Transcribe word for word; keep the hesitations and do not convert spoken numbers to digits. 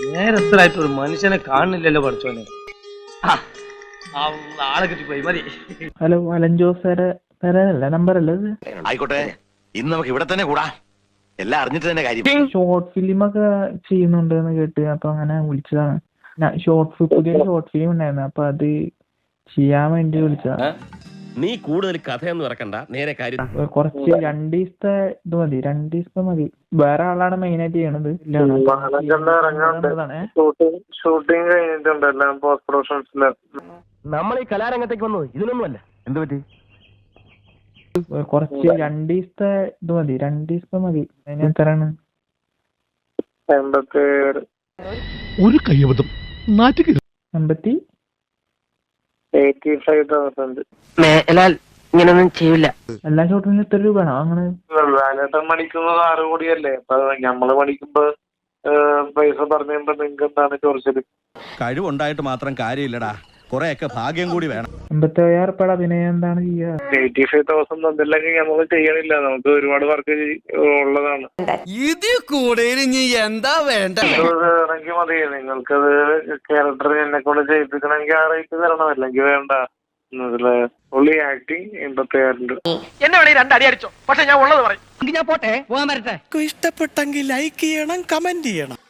നേരത്തിലായിട്ട് ഒരു മനുഷ്യനെ കാണുന്നില്ലല്ലോ പഠിച്ചോനെ. ആളെ കിട്ടിപ്പോയി മതി. ഹലോ അലൻ ജോസ് സാറ് സാറല്ല നമ്പർ അല്ലേ ഇത്? ആയിക്കോട്ടെ, ഇന്ന് നമുക്ക് ഇവിടെ തന്നെ കൂടാ. എല്ലാം അറിഞ്ഞിട്ട് തന്നെ കാര്യം. ഷോർട്ട് ഫിലിം ഒക്കെ ചെയ്യുന്നുണ്ട് എന്ന് കേട്ട്, അപ്പൊ അങ്ങനെ വിളിച്ചതാണ്. ഷോർട്ട് ഫിലിം പുതിയ ഷോർട്ട് ഫിലിം ഉണ്ടായിരുന്നു, അപ്പൊ അത് ചെയ്യാൻ വേണ്ടി വിളിച്ചതാ. നീ കൂടുതൽ കഥയൊന്നും ഇറക്കണ്ട, നേരെ കാര്യം. കുറച്ച് രണ്ട് ദിവസത്തെ ഇത് മതി, രണ്ട് ദിവസത്തെ മതി. വേറെ ആളാണ് മെയിൻ ആയിട്ട് ചെയ്യണത്. ഷൂട്ടിംഗ് കഴിഞ്ഞിട്ടുണ്ട്, എല്ലാം പോസ്റ്റ് പ്രൊഡക്ഷൻസില്. നമ്മൾ ഈ കലാരംഗത്തേക്ക് വന്നത് ഇതിനൊന്നുമല്ല. എന്ത് പറ്റി? കുറച്ച് രണ്ട് ദിവസത്തെ ഇത് മതി, രണ്ട് ദിവസത്തെ മതി. അതിന് എത്രയാണ്? എൺപത്തി ഒരു കയ്യബദ്ധം എൺപത്തി എയ്റ്റി ഫൈവ് തൗസൻഡ്. ഇങ്ങനൊന്നും ചെയ്യില്ല. എല്ലാ ഷോട്ടിനും എത്ര രൂപയാണോ അങ്ങനെ? ലാലേട്ടൻ മണിക്കുന്നത് ആറ് കോടിയല്ലേ, അപ്പൊ ഞമ്മള് മണിക്കുമ്പോ പൈസ പറഞ്ഞുമ്പോ നിങ്ങക്ക് എന്താണ് ചോദിച്ചത്? കഴിവുണ്ടായിട്ട് മാത്രം കാര്യമില്ലടാ, കൊറേയൊക്കെ ഭാഗ്യം കൂടി വേണം. എൺപത്തി അയ്യായിരം ഉറുപ്പിക അഭിനയം എന്താണ് ചെയ്യുക? എയ്റ്റി ഫൈവ് തൗസൻഡ് തന്നില്ലെങ്കിൽ നമ്മൾ ചെയ്യണില്ല, നമുക്ക് ഒരുപാട് വർക്ക് ഉള്ളതാണ്. ഇത് കൂടെ എന്താ വേണ്ട? ഇറങ്ങി മതി, നിങ്ങൾക്കത് ക്യാരക്ടർ എന്നെ കൊണ്ട് ചെയ്യിപ്പിക്കണമെങ്കിൽ ആ റേറ്റ് തരണം, അല്ലെങ്കിൽ വേണ്ട. ഉള്ളി ആക്ടിങ് എൺപത്തി അയ്യായിരം രൂപ. എന്നെ വേണേ രണ്ടടി അടിച്ചോ, പക്ഷെ ഞാൻ ഉള്ളത് പറയും. ഞാൻ പോട്ടെ, പോകാൻ വരട്ടെ. ഇഷ്ടപ്പെട്ടെങ്കിൽ ലൈക്ക് ചെയ്യണം, കമന്റ് ചെയ്യണം.